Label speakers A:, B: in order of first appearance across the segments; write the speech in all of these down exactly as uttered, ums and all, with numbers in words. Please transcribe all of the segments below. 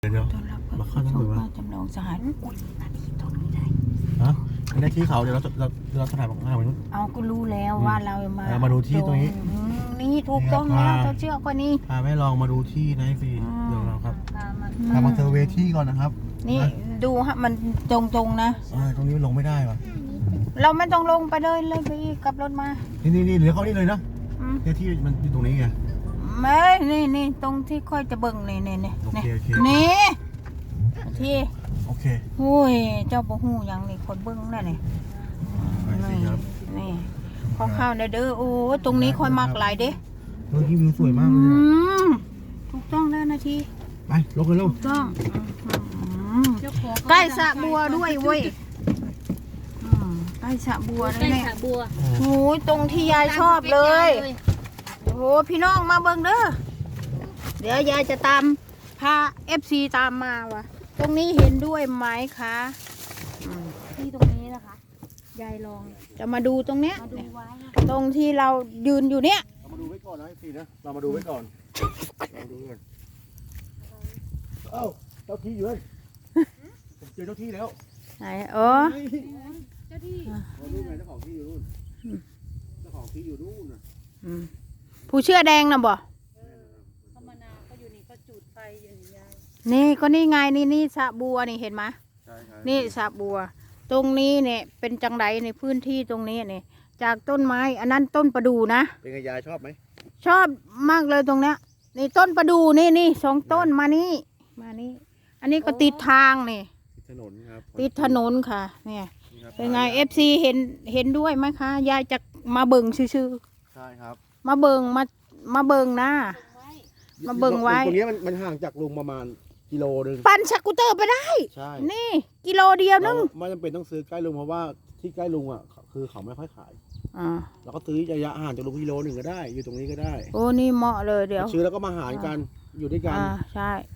A: เดี๋ยว
B: ต้อนรับ
A: มาเข้าทั้งหมดวะ
B: จำลองสหารอุ้ยนาทีตรงนี้ได้
A: ฮะไม่ได้ที่เขาเดี๋ยวเราเราเราถ่ายบอกมาเหมือน
B: เอาก็รู้แล้วว่าเรามา
A: เรามาดูที่ตรงนี้
B: อืมนี่ถูกต้อง
A: นี่
B: แล้ว
A: ครับ
B: เธอเชื่อก็นี่
A: พาแม่ลองมาดูที่นะฟรีเดี๋ยวเราครับ
B: อื
A: พามาเซอร์เวย์ที่ก่อนนะครับ
B: นี่ดูฮะมันตรงๆนะ
A: เออตรงนี้มันลงไม่ได้ว่ะ
B: เราไม่ต้องลงไปเลยเลยไปอีกกับรถมา
A: นี่นี่นี่เดี๋ยวเขานี่เลยนะ
B: อืม
A: เนี่ยที่มันอยู่ตรงนี้ไง
B: ไม่นี่นี่ตรงที่ค่อยจะเบิ่งนี่นี่นี่
A: โอเคโอเค
B: นี่ที่
A: โอเค
B: โอ้ยเจ้าบ่ฮู้หยังนี่คนเบิ่งนั่นนี่
A: ไปสิครับ
B: นี่ข้าวข้าวๆนะเด้อโอ้ยตรงนี้ค่อยมักหลายเด้
A: เออที่วิวสวยมากเลย
B: อื
A: อะ
B: มถูกต้องแล้วนาที
A: ไปลงกันเร็ว
B: ถูกต้องอืมใกล้สระบัวด้วยเว้ยอืมใกล้สระบัว
C: ใกล้
B: แล้วเนี่ย
C: สระบัว
B: โอ้ยตรงที่ยายชอบเลยโอ้โหพี่น้องมาเบิ่งเด้อเดี๋ยวยายจะตามพาเอฟซีตามมาวะตรงนี้เห็นด้วยไหมคะอืม
C: ที่ตรงนี้นะคะยายลอง
B: จะมาดูตรงเนี้ย
C: มาดูไว้นะ
B: ตรงที่เรายืนอยู่เนี้ย
A: เรามาดูไว้ก่อนนะฟรีนะเรามาดูไว้ก่อนเราดูก่อนเอ้าเจ้าที่อยู่นั่นผมเจอเจ้าที่แล้ว
B: ไหนเออ
C: เจ้าที่
A: เราดูไงเจ้าของที่อยู่นู่นเจ้าของที่อยู่นู่นนะ
B: อืมผู้เชื่อแดงนะบ่
C: ธรรมนาก็อยู่นี่ก็จุดไฟอยู่นี่ยาย
B: นี่ก็นี่ไงนี่นี่สระบัวนี่เห็นไหม
A: ใช่ครับ
B: นี่สระบัว ตรงนี้เนี่ยเป็นจังไดในพื้นที่ตรงนี้เนี่ยจากต้นไม้อันนั้นต้นประดูนะ
A: เป็นไงยายชอบไหม
B: ชอบมากเลยตรงเนี้ยนี่ต้นประดูนี่นี่สองต้นมานี่มานี่อันนี้ก็ติดทางนี่
A: ติดถนนครับ
B: ติดถนนค่ะ เนี่ย
A: นี่ครับ
B: เป็นไงเอฟซีเห็นเห็นด้วยไหมคะยายจะมาเบิ่งชื่อ
A: ใช่ครับ
B: ๆมาเบิ่งมามาเบิ่งนะ
C: ไว้
B: มาเบิ่งไว้
A: ตรงนี้มันมันห่างจากลุงประมาณกิโลนึง
B: ปั่นสกูตเตอร์ไปได้
A: ใช่
B: นี่ กิโลเดียวนึ
A: เรา
B: ง
A: ไม่จำเป็นต้องซื้อใกล้ลุงเพราะว่าที่ใกล้ลุงอ่ะคือเขาไม่ค่อยขาย
B: อ่า
A: เราก็ซื้อระยะห่างจากลุงกิโลหนึ่งก็ได้ อยู่ตรงนี้ก็ได้
B: โอ้นี่เหมาะเลยเดี๋ยว
A: ซื้อแล้วก็มาหารกันอยู่ด้วยกัน
B: อ่าใช่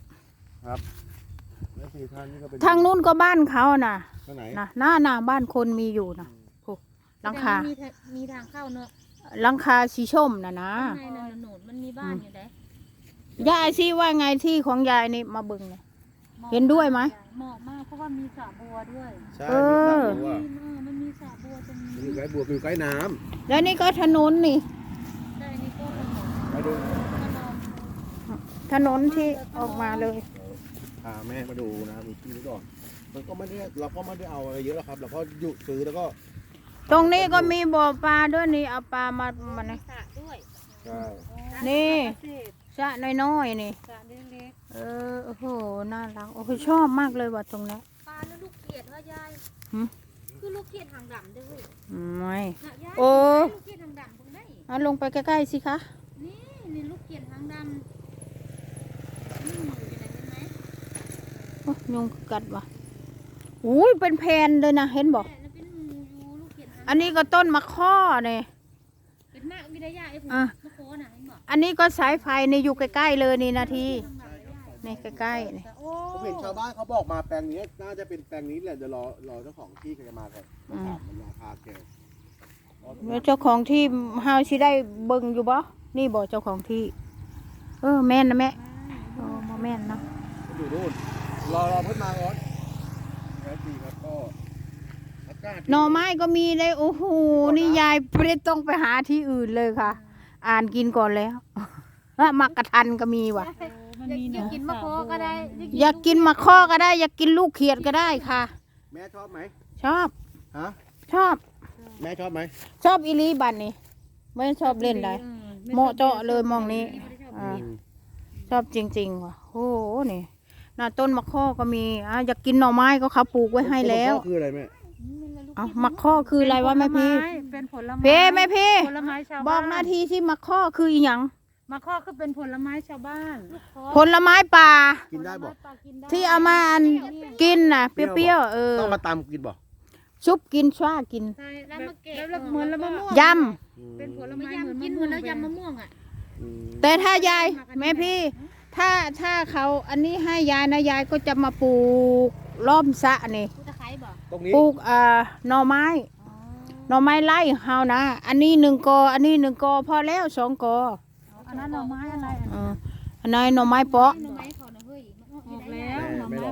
A: แล้วสี่ท่านนี่ก็เป็น
B: ทางนู้นก็บ้านเขาน่ะ
A: ทางไหน
B: นะหน้าหน้าบ้านคนมีอยู่นะโอ้หลังคา
C: มีทางมีทางเข้าเนอะ
B: หลังคาสีชมนะนะ
C: ข้างในนั่นน่ะหนูมันมีบ้านอยู่ไหน
B: ยายสิว่าไงที่ของยายนี่มาเบิ่งเลย เห็นด้วยไหม
C: เหมาะมากเพราะว่ามีสระบัวด้วย
A: ใช่
B: เอ
A: มี
B: อ
A: สระบัว
C: เออมันมีสระบัวตรงนี้
A: อยู่ใกล้บัวอยู่ใกล้น้
B: แล้วนี่ก็ถนนนี่
C: ใช่นี่ก็ถนน
A: ำไปดู
C: มาลอง
B: ถนนที่ออกมาเลย
A: พาแม่มาดูนะมีที่นี้ก่อนมันก็ไม่ได้เราก็ไม่ได้เอาอะไรเยอะหรอกครับเราก็หยุดซื้อแล้วก็
B: ตรงนี้ก็มีบ่อปลาด้วยนี่เอาปลามามา
C: มี
B: นี่
C: สระด้วย
A: ใช่
B: นี่
C: เศษ
B: สระน้อยๆนี่
C: สระเล็ก
B: เออโอ้โหน่ารักโอ้โหชอบมากเลยว่ะตรงนี้
C: ๆปลาแล้วลูกเกียดว่ายาย
B: หืม
C: คือลูกเกียดหางดำด้วย
B: ไม่
C: น่ะยาย
B: โอ้
C: ลูกเกียดหางดำตรงไหน
B: เอาลงไปใกล้ๆสิคะ
C: นี่นี่ลูกเกียดหางดำนี่หนูอยู่ไหนเห็นไหม
B: โอ้ยุงกัดว่ะอุ้ยเป็นแผ่นเลยนะเห็นบอก
C: แม่แล้วเป็นหมูอยู่ลูกเกียดหาง
B: อันนี้ก็ต้นมะข้อเนี่ย
C: เป็นมากวิทยาไอ้ผม
B: อ่ะ
C: มะโคน่ะเห็นบอก
B: อันนี้ก็สายไฟนี่อยู่ใกล้ๆเลยนี่นาทีนี่ใกล้ๆนี่
C: โอ้
A: ผมเห็นชาวบ้านเขาบอกมาแปลงนี้น่าจะเป็นแปลงนี้แหละเดี๋ยวรอรอเจ้าของที่เขาจะมาก่อนมาถามมันราคาแก
B: แล้วเจ้าของที่เฮาสิได้เบิ่งอยู่บ่นี่บ่เจ้าของที่ เออแม่นนะแม่โอ้บ่แม่นเนาะ
A: อยู่นู่นรอรอเพิ่นมาก่อนแค่ทีครับก็อากาศ
B: หน่อไม้ก็มีเลยโอ้โหนี่ยายไม่ได้ต้องไปหาที่อื่นเลยค่ะ อ่านกินก่อนแล้ว มักกะทันก็มีว่ะ
C: มันมีอยากกินมะโคก็ได้
B: อยากกินมะข้อก็ได้ อยากกินลูกเขียดก็ได้ค่ะ
A: แม่ชอบไหม
B: ชอบ
A: ฮะ
B: ชอบ
A: แม่ชอบไหม
B: ชอบอีหลีบันนี่ไม่ชอบเล่นได้เหมาะเจาะเลยมองนี้อ่าชอบจริงๆว่ะโอ้โหนี่น่ะต้นมะข้อก็มีอ่ะอยากกินหน่อไม้ก็เขาปลูกไว้ให้แล้ว
A: คืออะไรแม่
B: เอ้ามะข้อคืออะไรวะแม่พี่
C: เป็นผลไม้
B: เพ่แม่พี่
C: ผลไม้ชาว
B: บ
C: บ้าน
B: อกหน้าที่ที่มะข้อคืออีหยัง
C: มะข้อคือเป็นผลไม้ชาวบ้าน
B: ผลไม้ป่า
A: กินได้บอก
B: ที่เอามาอันกินน่ะ เปรี้ยวๆเออ
A: ต้องมาตำกินบอก
B: ชุบกินชว้ากิน
C: ใช่แล้วมาเกะแล้วเหมือนแล้วมะม่วง
B: ย
C: เป็นผลไม้เหมือนกินเหมือนแล้วยำมะม่วงอ่ะ
B: ำแต่ถ้ายายแม่พี่ ถ้าถ้าเขาอันนี้ให้ยายนะยายก็จะมาปลูกล้อมสระนี่
C: กูตะไคร้บอก
A: ตรงนี้
B: ปลูกเอ่อหน่อไม้หน่อไม้ไล่เฮานะอันนี้หนึ่งกออันนี้หนึ่งกอพอแล้วสองกอ
C: อันนั้นหน่อไม้อะไร
B: เอออันนั้นหน่อไม้เปาะ
C: หน่อไม้เขาน่ะเฮ้ยมันออก
A: แม่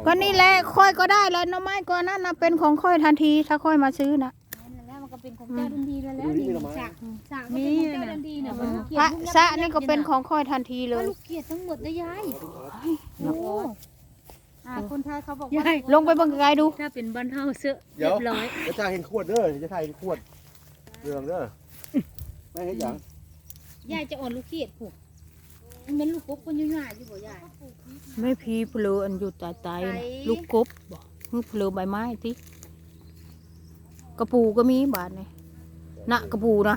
B: ก็นี่แหละค่อยก็ได้แล้วหน่อไม้ก่อนนั้นนะเป็นของค่อยทันทีถ้าค่อยมาซื้อนะ
C: นั่นแหละมันก็เป็นของเจ้าทันทีแล้วแล้วนี่สากสากมีเจ้าทันทีเนี่ยมันลูกเกีย
B: พระ
C: ดลูก
B: สะนี่ก็เป็นของค่อยทันทีเล
C: ว่าย ลูกเกียดทั้งหมดนะยายโอ้อ่าคนไทยเขาบอก
B: ยา
C: ว่าย
B: ลงไปเบังไกลๆดู
C: ถ้าเป็นบ้านเฮาเสื้อ
A: เดี๋
C: เรี
A: ย
C: ยว บร้อย
A: จะจ่ายเห็นขวดเด้อจะจ่ายเห็นขวดเรื่องเด้อไม่เห็นอย่าง
C: ยายจะอ่อนลูกเกียดผูกมันเป็นลูกกบคนยุ่ยๆอยู่บ่ยาย
B: ไม่พีเปลืออันอยู่ตายตาย
C: ไหน
B: ลูกกบบอกฮึเปลือใบไม้ติกระปูก็มีบาทนี่นะกระปูนะ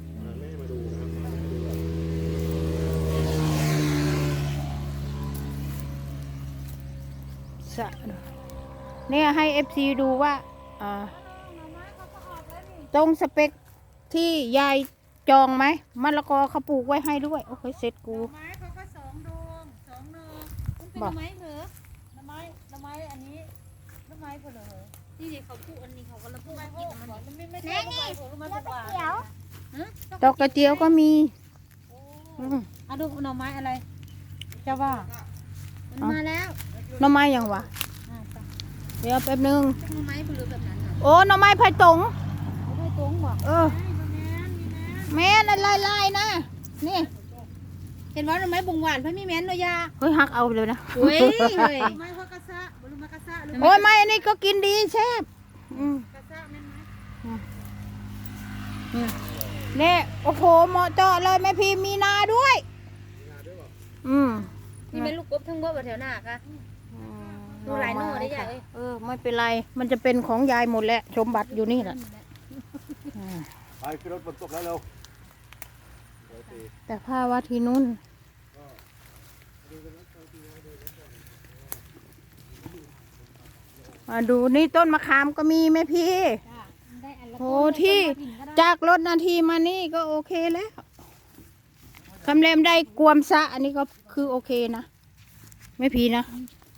B: สะเนี่ยให้เอฟซีดูว่าอ่าตรงสเปคที่ยายจองไหมมะละกอเขาปลูกไว้ให้ด้วย โอ้ยเสร็จกู
D: ไม้เขาก็สองดวงสองนอ
C: มันเป็น
B: บอก
C: ไม้เหรอ
D: หน้ำไม้หน้ำไม้อันนี้หน้ำไม้ผลเหรอ
C: นี่เด็กเขาพูดอันนี้เขาก็ละพูด
D: ไม้
C: มา
D: ผ
C: กิน
D: ล
C: มัน
D: มันไม่ไม่ใช่หน้ำไม้ผลมันเป็นหวาน
B: ดอกกระเจียวก็มีอืม
D: อ่ะดูหน่อไม้อะไรเจ้าว่า
C: มันมาแล้ว
B: หน่อไม้ยังวะ
D: อ่ะไป
B: เดี๋ยวแป๊บนึง
C: เป็นไม้เปลือแบบนั้นน่ะ
B: โอ้หน่อไม้ไผ่ตง
D: เอาด้วยตรงบ่
B: เออแม่นลายลายๆนะนี่
C: เห็นว่าหน่อไม้บงหวานเพิ่นมีแม่นเนาะยา
B: เฮ้ยหักเอาเลยนะ
C: เฮ้ยเฮ้ย
D: ไม้พวกกระซะบรุมากระซะหรือ
B: โอ้ยไม่อันนี้ก็กินดีแซ่บอืม
D: กระซะแม่นไหม
B: นี่โอ้โหเหมาะเจาะเลยแม่พี่มีนาด้วยอืม
C: นี่เป็นลูกกบทั้งหมดบ่แถวหน้าค่ะ ดูหลายหน่อได้ยายเอ้ย
B: เออไม่เป็นไรมันจะเป็นของยายหมดแหละสมบัติอยู่นี่แหละอืม
A: ไปขึ้นรถฝนตกแล้วเร็ว
B: แต่ผ้าว่าที่นู่นมาดูนี่ต้นมะขามก็มีไหมพี่
C: ได้อันละ
B: โหที่จากรถนาทีมานี่ก็โอเคแล้วคำเลมได้กวมสะอันนี้ก็คือโอเคนะไม่พีนะ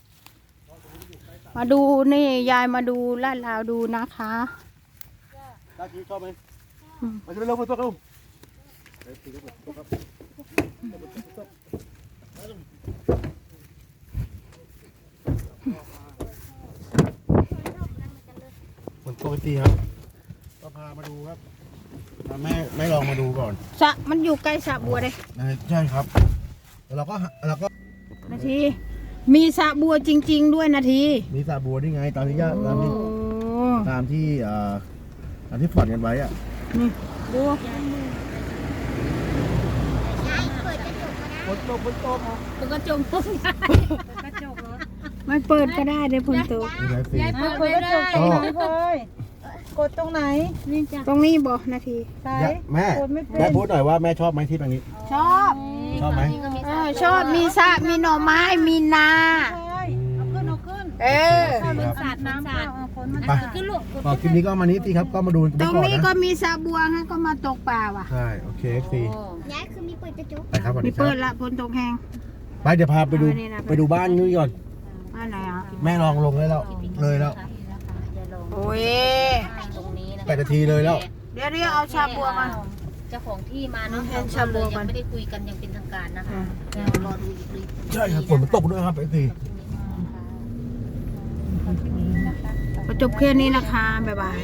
B: มาดูนี่ยายมาดูลาดลาวดูนะคะ
A: ตากี้ชอบไหม
B: อืม
A: มาจะไปเร็วฝนตกเร็วเฮ้ยฝนตกครับฝนตกทีครับก็พามาดูครับพาแม่แม่ลองมาดูก่อน
B: สะมันอยู่ใกล้สระบัวเลย
A: ใช่ครับแล้วเราก็เราก็
B: นาที มีสระบัวจริง ๆ ด้วยนาที
A: มีสาบัวนี่ไงตามที่ญาติตามที่
B: โอ้
A: ตามที่เอ่อตามที่ฝันกันไว้อะ
B: นี่ดู
A: ฝนตกฝนตก
C: มันก็จมพุ่งยาย
D: กระจกเหรอ
B: ไม่เปิดก็ได้เดี๋ยวฝนตก
A: มีหลายสี
C: ยายเปิด
D: เปิ
C: ไม่
D: ดกระจ
C: ได้
D: กตรงไหนพลอยกดตรงไหน
C: นี่จ้ะ
B: ตรงนี้บอกนาที
D: ใส่
A: แม่
D: กดไม่เป็น
A: แม่พูดหน่อยว่าแม่ชอบไหมที่ตรงนี้
B: ชอบ
A: ชอบไหม
C: นี่ก็มี
B: เออชอบมีสระมีหน่อไม้มีนา
D: พลอยเอาขึ้นเอาขึ้น
B: เออ
A: นี่ครับ
C: สาดน้ำ
D: น้ำ
C: สา
D: เข้า
C: ด
D: เอาฝนมัน
A: ไป
C: ขึ้นลูก
A: ต่อคลิปนี้ก็มานี้สิครับก็มาดูกัน
B: ต
A: ไป
B: รง
A: ก่อน
B: นี้ก็
A: นะ
B: มีสระบัวฮะก็มาตกปลาว่ะ
A: ใช่โอเคสิ
C: ยายคือมีเปิดกระจก
A: ไปครับสวัส
B: มี
A: ดีครั
B: เปิ
A: บ
B: ดละฝนตกแห้ง
A: ไปเดี๋ยวพาไปดู
B: เอานี่นะ
A: ไปดูบ้านนู้นก่อน
B: บ้านไหนอ่ะ
A: แม่ลองลงเลยแล้วเลยแล้ว
C: อย่าลง
B: โอ้ย
C: ตรงนี้นะ
A: แปดนาทีเลยแล้ว
B: เดี๋ยวเรียกเอาชาบัวมา
C: เจ้าของที่มาเนาะ
B: ให้ชาบัวก่อน
C: ยังไม่ได้คุยกันยังเป็นทางการนะคะ
B: อืม
C: เดี๋ยวรอดูอีกที
A: ใช่ครับฝนมันตกด้วยครับไอ้ที
B: ก็จบแค่นี้นะคะบ๊ายบาย